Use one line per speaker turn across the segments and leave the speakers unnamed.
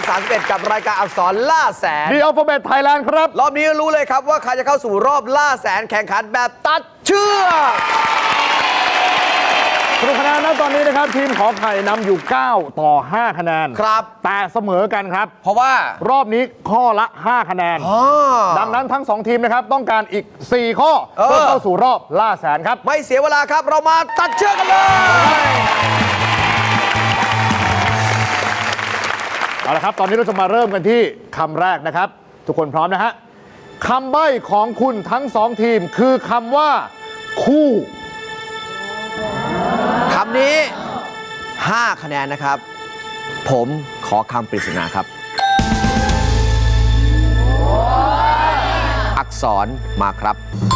31กับรายการอักษรล่าแสน
The Alphabet Thailand ครับ
รอบนี้รู้เลยครับว่าใครจะเข้าสู่รอบล่าแสนแข่งขันแบบตัดเชือก
สรุปคะแนนนะตอนนี้นะครับทีมขอไข่นำอยู่ 9 ต่อ 5 คะแนน
ครับ
แต่เสมอกันครับ
เพราะว่าร
อบนี้ข้อละ 5 คะแนน ดังนั้นทั้ง 2 ทีมนะครับต้องการอีก 4 ข้อเพื่อเข้าสู่รอบล่าแสนครับ
ไม่เสียเวลาครับเรามาตัดเชือกกันเลย
เอาละครับ ตอนนี้เราจะมาเริ่มกันที่คำแรกนะครับ ทุกคนพร้อมนะฮะคำใบ้ของคุณทั้ง 2 ทีมคือคำว่า คู่
คำนี้ 5 คะแนนนะครับ ผมขอคำปริศนาครับ อักษรมาครับ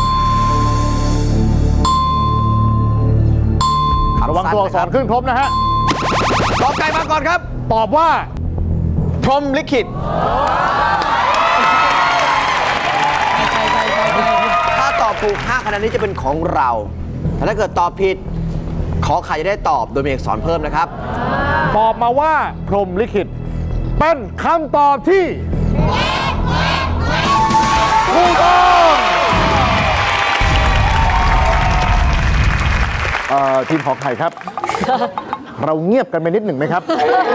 ระวังตัวอักษรขึ้นครบนะฮะ
กอไก่มาก่อนครับ
ตอบว่า
พรหมลิขิตถ้าตอบถูก 5 คะแนนนี้จะเป็นของเราแต่ถ้าเกิดตอบผิด ขอไข่จะได้ตอบโดยมีอักษรเพิ่มนะครับ
ตอบมาว่าพรหมลิขิตเป็นคำตอบที่ถูกต้องทีมขอไข่ครับ เราเงียบกันไปนิดหนึ่งไหมครับ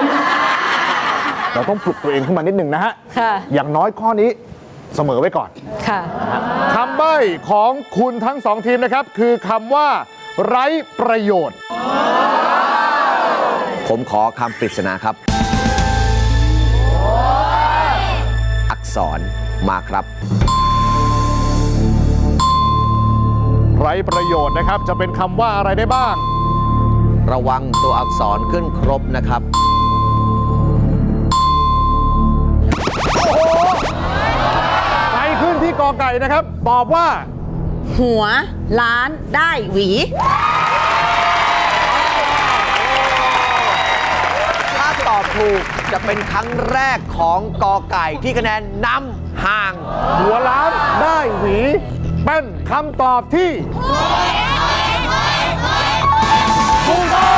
เราต้องปลุกตัวเองขึ้นมานิดหนึ่งนะฮะ
ค่ะ
อย่างน้อยข้อนี้เสมอไว้ก่อน
ค่ะ
คำใบ้ของคุณทั้ง 2 ทีมนะครับ คือคำว่า ไร้ประโยชน์
ผมขอคำปริศนาครับ อักษรมาครับ
ไร้ประโยชน์นะครับ จะเป็นคำว่าอะไรได้บ้าง
ระวังตัวอักษรขึ้นครบนะครับ
ไปขึ้นที่กอไก่นะครับ ตอบว่า
หัวล้านได้หวี
ถ้าตอบถูกจะเป็นครั้งแรกของกอไก่ที่คะแนนนำห่าง
หัวล้านได้หวี เป็นคำตอบที่ถูกต้อง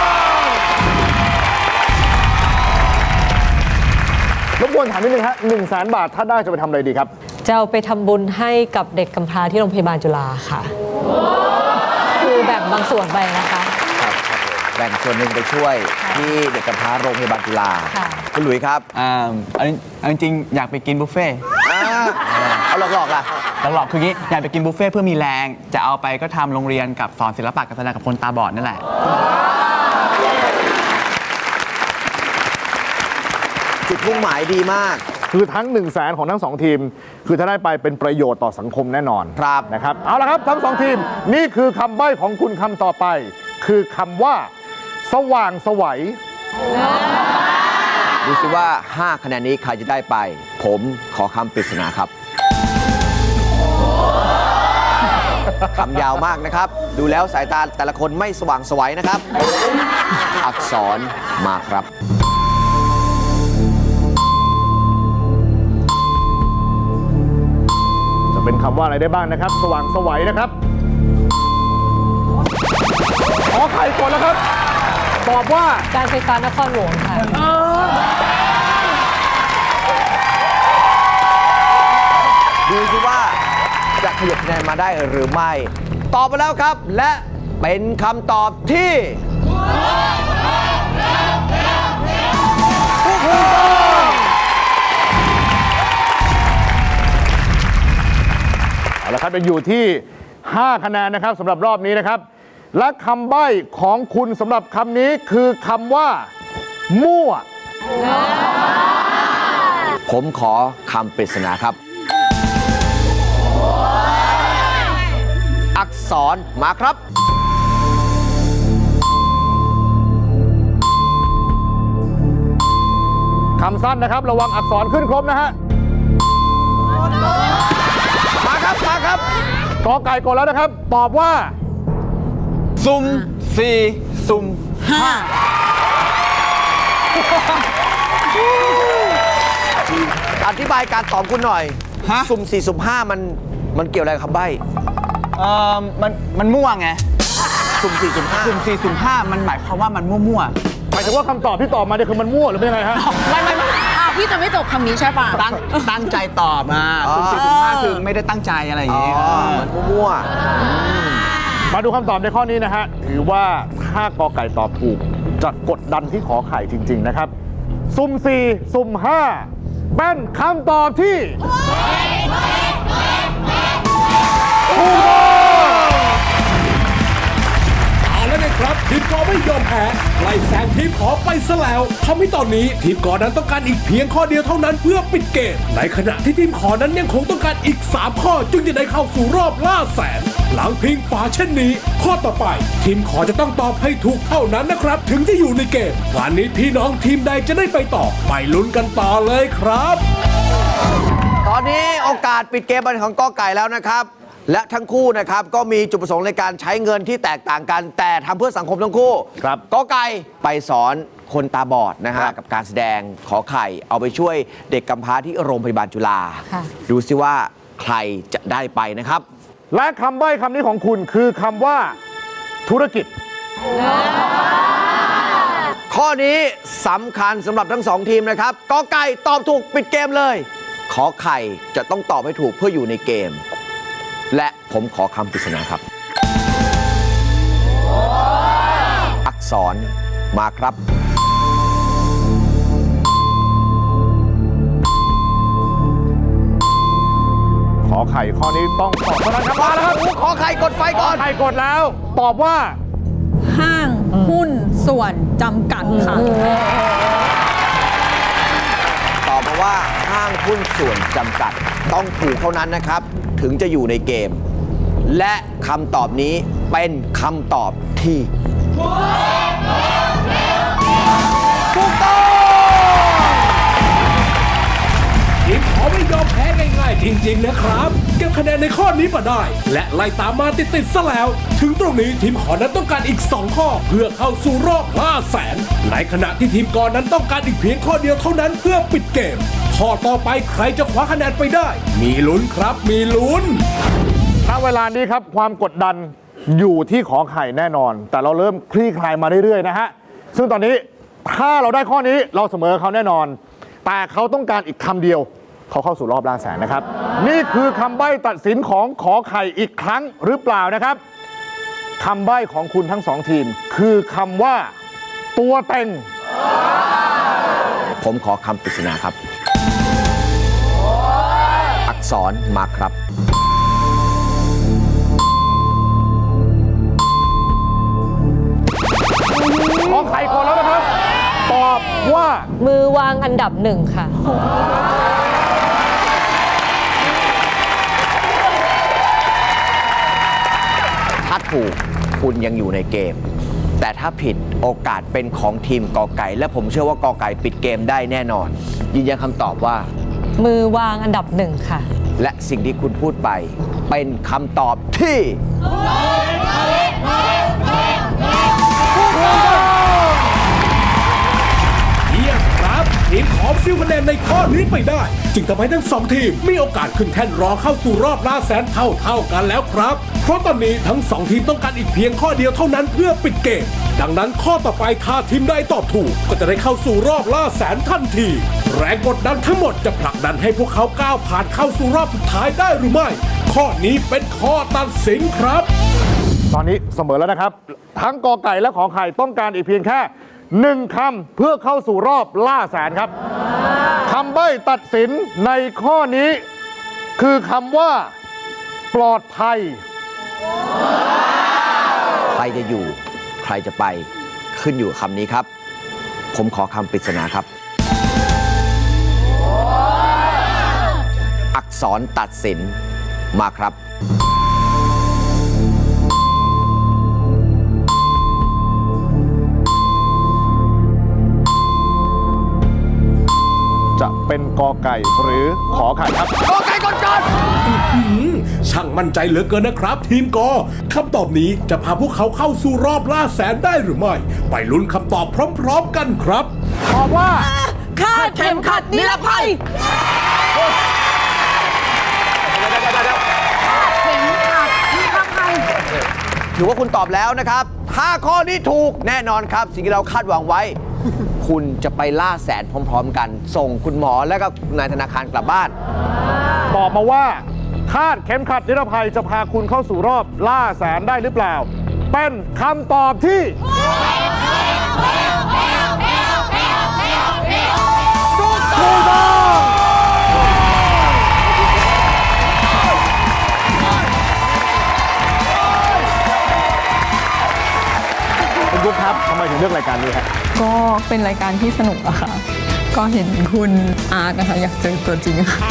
รบกวนถามนิดนึงฮะ100,000 บาทถ้าได้จะไปทำอะไรดีครับ
จะเอาไปทำบุญให้กับเด็กกำพร้าที่โรงพยาบาลจุฬาค่ะ คือแบ่งบางส่วนไปนะคะ
ครับแบ่งส่วนหนึ่งไปช่วยที่เด็กกำพร้าโรงพยาบาลจุฬา
ค่ะ
คุณหลุยส์ครับ
เอาจริงๆอยากไปกินบุฟเฟ่ต์
เอาหลอกๆล่ะ
หลอกๆคืองี้อยากไปกินบุฟเฟ่ต์เพื่อมีแรง จะเอาไปก็ทำโรงเรียนกับสอนศิลปะการแสดงกับคนตาบอดนั่นแหละ
จุดมุ่งหมายดีมาก
คือทั้ง100,000ของทั้ง 2 ทีม คือถ้าได้ไปเป็นประโยชน์ต่อสังคมแน่นอน
ครับ
นะครับ เอาละครับทั้ง 2 ทีม นี่คือคำใบ้ของคุณคำต่อไป คือคำว่า สว่างไสวัย
ดูสิว่า 5 คะแนนนี้ใครจะได้ไป ผมขอคำปริศนาครับ คำยาวมากนะครับ ดูแล้วสายตาแต่ละคนไม่สว่างไสวัยนะครับ อักษรมาครับ
จะเป็นคำว่าอะไรได้บ้างนะครับ สว่างไสวัยนะครับ ขอไข่ก่อนแล้วครับ ตอบว่า
การไฟฟ้านครหลวงค่ะ
ดูสิว่าจะขยับคะแนนมาได้หรือไม่ ตอบมาแล้วครับ และเป็นคำตอบที่ถูกต้อง
เอาละครับเป็นอยู่ที่ 5 คะแนนนะครับสำหรับรอบนี้นะครับ และคำใบ้ของคุณสำหรับคำนี้คือคำว่า มั่ว
ผมขอคำปริศนาครับ อักษรมาครับ
คำสั้นนะครับ ระวังอักษรขึ้นครบนะฮะ
มาครับ มาครับ
กอไก่ก่อนแล้วนะครับ ตอบว่า
ซุ่ม4 ซุ่ม
อธิบายการตอบคุณหน่อย
ฮะ
สุ่ม4สุ่ม5มันเกี่ยวอะไรกับคำใบ้
มันมั่วไง
สุ่ม4สุ่ม
สุ่ม4 สุ่ม 5 มันหมายความว่ามันมั่ว
หมายถึงว่าคำตอบที่ตอบมาเนี่ยคือมันมั่วหรือเป็นยังไงฮะ
ๆไม่
พี่จะไม่จบคำนี้ใช่ป่ะ
ตั้งใจตอบมาสุ่มสี่สุ่มห้าคือไม่ได้ตั้งใจอะไรอย่าง
อ๋อ
งี้
เหมือนมั่ว
มาดูคำตอบในข้อนี้นะฮะ ถือว่าถ้ากอไก่ตอบถูกจะกดดันที่ขอไข่จริง ๆ นะครับ สุ่ม 4 สุ่ม 5 เป็นคำตอบที่ถูกต้อง
เอาแล้วนะครับทีมกอไม่ยอมแพ้ไล่แซงทีมขอไปซะแล้วทำให้ตอนนี้ทีมกอนั้นต้องการอีกเพียงข้อเดียวเท่านั้นเพื่อปิดเกมในขณะที่ทีมขอนั้นยังคงต้องการอีก3ข้อจึงจะได้เข้าสู่รอบล่าแสนหลังพิงฝาเช่นนี้ข้อต่อไปทีมขอจะต้องตอบให้ถูกเท่านั้นนะครับถึงจะอยู่ในเกมวันนี้พี่น้องทีมใดจะได้ไปต่อไปลุ้นกันต่อเลยครับ
ๆ ตอนนี้โอกาสปิดเกมเป็นของกอไก่แล้วนะครับ และทั้งคู่นะครับก็มีจุดประสงค์ในการใช้เงินที่แตกต่างกัน แต่ทำเพื่อสังคมทั้งคู่
ครับ
กอไก่ไปสอนคนตาบอดนะฮะ
ครับ
กับการแสดงขอไข่เอาไปช่วยเด็กกำพร้าที่โรงพยาบาลจุฬา
ค่ะ
ดูซิว่าใครจะได้ไปนะครับ
และคำใบ้คำนี้ของคุณคือคำว่าธุรกิจ
ข้อนี้สำคัญสำหรับทั้งสองทีมนะครับกอไก่ตอบถูกปิดเกมเลย ขอไข่จะต้องตอบให้ถูกเพื่ออยู่ในเกม และผมขอคำปริศนาครับ อักษรมาครับ
ขอไข่ข้อนี้ต้องตอบเท่านั้นครับมาแล้วครับ
ขอไข่กดไฟก่อน
ไข่กดแล้ว ตอบว่า
ห้างหุ้นส่วนจำกัดค่ะ
ตอบมาว่าห้างหุ้นส่วนจำกัดต้องถูกเท่านั้นนะครับ ถึงจะอยู่ในเกม และคำตอบนี้เป็นคำตอบที่ถูกต้อง
ทีมขอไม่ยอมแพ้ง่ายๆจริงๆนะครับเก็บคะแนนในข้อนี้มาได้ และไล่ตามมาติดๆซะแล้ว ถึงตรงนี้ทีมขอนั้นต้องการอีก2ข้อเพื่อเข้าสู่รอบล่าแสนในขณะที่ทีมกอนั้นต้องการอีกเพียงข้อเดียวเท่านั้นเพื่อปิดเกมข้อต่อไปใครจะคว้าคะแนนไปได้ มีลุ้นครับมีลุ้น
ณเวลานี้ครับความกดดันอยู่ที่ขอไข่แน่นอน แต่เราเริ่มคลี่คลายมาเรื่อยๆนะฮะซึ่งตอนนี้ถ้าเราได้ข้อนี้เราเสมอเขาแน่นอน แต่เขาต้องการอีกคำเดียวเขาเข้าสู่รอบล่าแสนนะครับ นี่คือคำใบ้ตัดสินของขอไข่อีกครั้งหรือเปล่านะครับคำใบ้ของคุณทั้งสองทีม คือคำว่า ตัวเต็ง
ผมขอคำปริศนาครับ อักษรมาครับ
ขอไข่ก่อนแล้วนะครับ ตอบว่า
มือวางอันดับหนึ่งค่ะ
ถ้าถูกคุณยังอยู่ในเกม แต่ถ้าผิดโอกาสเป็นของทีมกอไก่ และผมเชื่อว่ากอไก่ปิดเกมได้แน่นอน ยืนยันคำตอบว่า
มือวางอันดับหนึ่งค่ะ
และสิ่งที่คุณพูดไปเป็นคำตอบที่
เยี่ยมครับทีมขอซิลคะแนนในข้อนี้ไปได้ จึงทำให้ทั้งสองทีมมีโอกาสขึ้นแท่นรอเข้าสู่รอบล่าแสนเท่ากันแล้วครับ เพราะตอนนี้ทั้งสองทีมต้องการอีกเพียงข้อเดียวเท่านั้นเพื่อปิดเกม ดังนั้นข้อต่อไปถ้าทีมใดตอบถูก ก็จะได้เข้าสู่รอบล่าแสนทันทีแรงกดดันทั้งหมดจะผลักดันให้พวกเขาก้าวผ่านเข้าสู่รอบสุดท้ายได้หรือไม่ ข้อนี้เป็นข้อตัดสินครับ
ตอนนี้เสมอแล้วนะครับ ทั้งกอไก่และขอไข่ต้องการอีกเพียงแค่หนึ่งคำเพื่อเข้าสู่รอบล่าแสนครับคำใบ้ตัดสินในข้อนี้ คือคำว่า ปลอดภัย
ใครจะอยู่ ใครจะไปขึ้นอยู่กับคำนี้ครับ ผมขอคำปริศนาครับ อักษรตัดสินมาครับ
จะเป็นกอไก่หรือขอไข่ครับ
กอไก่ก่อน
ช่างมั่นใจเหลือเกินนะครับ ทีมกอคำตอบนี้จะพาพวกเขาเข้าสู่รอบล่าแสนได้หรือไม่ ไปลุ้นคำตอบพร้อมๆกันครับ
ตอบว่า
คาดเข็มขัดนิรภัย เข็มขัดนิรภัย
ถือว่าคุณตอบแล้วนะครับ ถ้าข้อนี้ถูกแน่นอนครับ สิ่งที่เราคาดหวังไว้ คุณจะไปล่าแสนพร้อมๆกัน ส่งคุณหมอและก็นายธนาคารกลับบ้าน
ตอบมาว่าคาดเข็มขัดนิรภัยจะพาคุณเข้าสู่รอบล่าแสนได้หรือเปล่า เป็นคำตอบที่ถูกต้องคุณกุ๊กครับทำไมถึงเลือกรายการนี้ฮะ
ก็เป็นรายการที่สนุกอะค่ะ ก็เห็นคุณอาร์ตนะคะอยากเจอตัวจริงค่ะ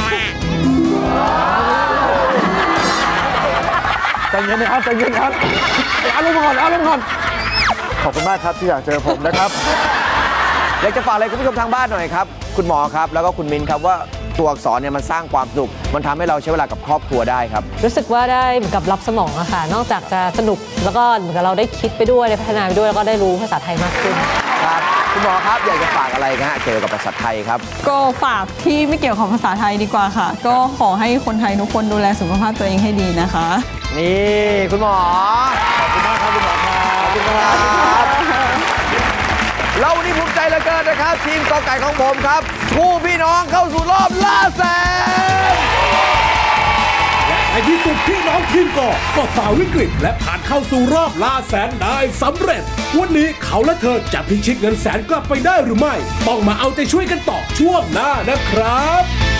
ใจเย็นนะครับใจเย็นครับอารมณ์ก่อนอารมณ์ก่อนขอบคุณมากครับที่อยากเจอผมนะครับ
อยากจะฝากอะไรคุณผู้ชมทางบ้านหน่อยครับ คุณหมอครับ แล้วก็คุณมินครับว่าตัวอักษรเนี่ยมันสร้างความสนุก มันทำให้เราใช้เวลากับครอบครัวได้ครับ
รู้สึกว่าได้เหมือนกับรับสมองอะค่ะ นอกจากจะสนุกแล้วก็เหมือนกับเราได้คิดไปด้วยได้พัฒนาไปด้วยแล้วก็ได้รู้ภาษาไทยมากขึ้น
ครับคุณหมอครับอยากจะฝากอะไรนะฮะเกี่ยวกับภาษาไทยครับ
ก็ฝากที่ไม่เกี่ยวกับภาษาไทยดีกว่าค่ะ ก็ขอให้คนไทยทุกคนดูแลสุขภาพตัวเองให้ดีนะคะ
นี่คุณหมอ
ขอบคุณมากครับคุณหมอครับ
ขอบคุณครับเราวันนี้ภูมิใจเหลือเกินนะครับ ทีมกอไก่ของผมครับคู่พี่น้องเข้าสู่รอบล่าแสน
และในที่สุดพี่น้องทีมก็ฝ่าวิกฤต และผ่านเข้าสู่รอบล่าแสนได้สำเร็จ วันนี้เขาและเธอจะพิชิตเงินแสนกลับไปได้หรือไม่ ต้องมาเอาใจช่วยกันต่อช่วงหน้านะครับ